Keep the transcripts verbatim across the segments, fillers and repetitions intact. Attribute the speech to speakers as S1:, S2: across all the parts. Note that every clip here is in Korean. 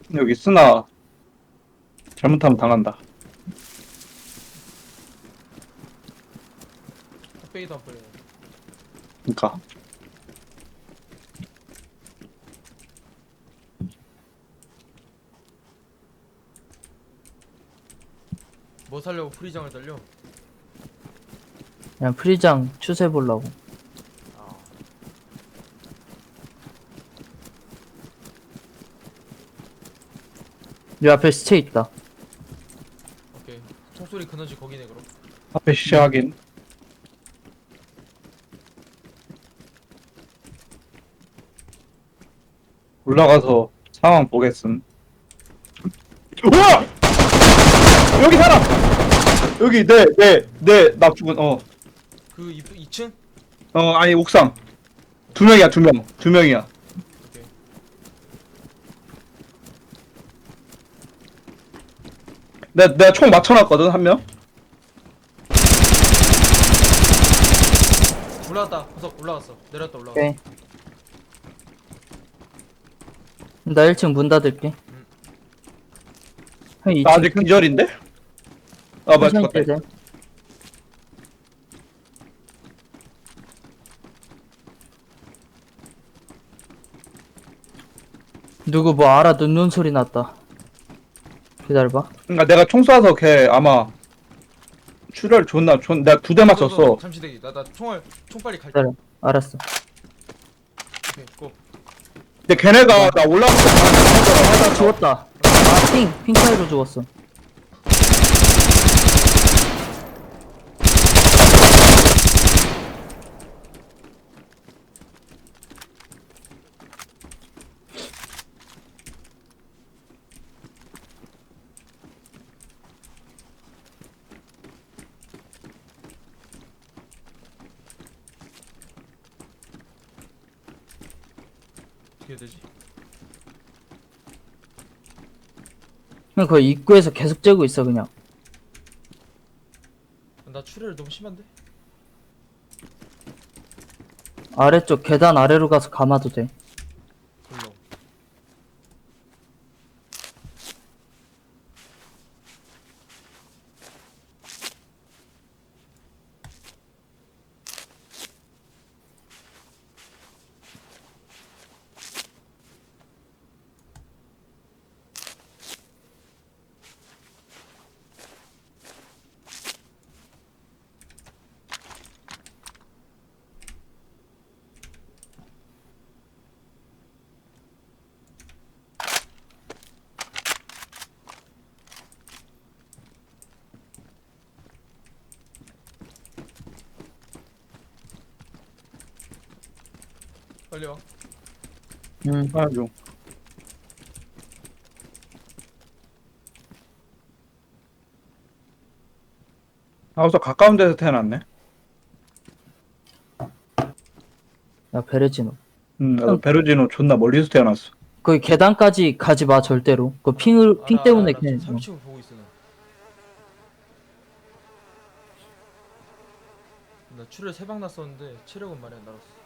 S1: 여기 쓰나 잘못하면 당한다.
S2: 뚝배기도 안 뿌려.
S1: 그니까.
S2: 뭐 살려고 프리장을 달려?
S3: 그냥 프리장 추세 보려고.
S2: 아.
S3: 이 앞에 시체 있다.
S2: 오케이. 총소리 그너지 거기네 그럼.
S1: 앞에 시체 확인. 올라가서 상황 보겠음. 우와! 여기 사람! 여기 내 내 내 나 죽은 어.
S2: 그 이, 이 층?
S1: 어 아니 옥상. 두 명이야 두 명. 두 명이야.
S2: 오케이.
S1: 내 내가 총 맞춰놨거든 한 명.
S2: 올라갔다. 구석 올라갔어. 내렸다 올라갔어.
S3: 오케이. 나 일 층 문 닫을게. 형
S1: 나 아직
S3: 이 층
S1: 기절인데? 아 맞다.
S3: 천천히 뛰자. 누구 뭐 알아 듣는 소리 났다. 기다려봐.
S1: 그러니까 내가 총 쏴서 걔 아마 출혈 존나 존 내가 두 대 맞췄어.
S2: 잠시 대기. 나나 총알 총 빨리 갈게.
S3: 기다려. 알았어.
S2: 오케이. 고.
S1: 근데 걔네가 나 올라가서
S3: 아, 죽었다. 아, 핑! 핑 차이로 죽었어.
S2: 어떻게 해야 되지?
S3: 그냥 거의 입구에서 계속 째고 있어, 그냥.
S2: 나 출혈 너무 심한데?
S3: 아래쪽 계단 아래로 가서 감아도 돼.
S2: 불러. 빨리 와.
S3: 응.
S1: 아주 아 우선 가까운 데서 태어났네.
S3: 야, 베레지노.
S1: 음 나도 베르지노 존나 멀리서 태어났어.
S3: 거기 계단까지 가지 마, 절대로. 그 핑을, 핑
S2: 알아,
S3: 때문에
S2: 알아, 알아.
S3: 그냥.
S2: 지금 삼 층을 보고 있어 나. 나 출혈 세 방 났었는데 체력은 많이 안 날았어.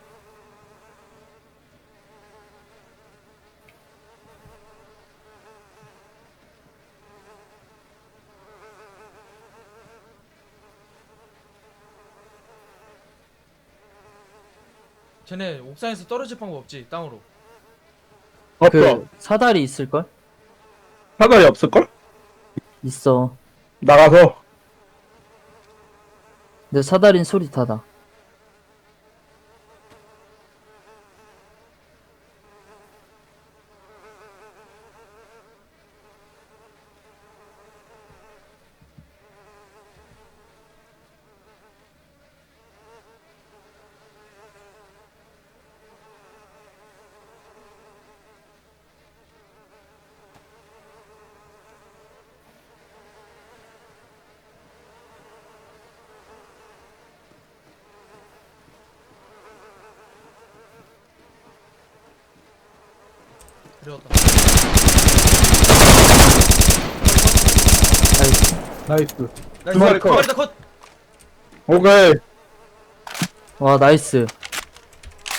S2: 쟤네 옥상에서 떨어질 방법 없지? 땅으로.
S1: 없어.
S3: 그, 사다리 있을걸?
S1: 사다리 없을걸?
S3: 있어.
S1: 나가서
S3: 근데 사다린 소리타다.
S2: 데려왔다.
S3: 나이스.
S1: 나이스.
S2: 나이스.
S1: 두 마리 컷.
S2: 두 마리 다 컷.
S1: 오케이.
S3: 와, 나이스.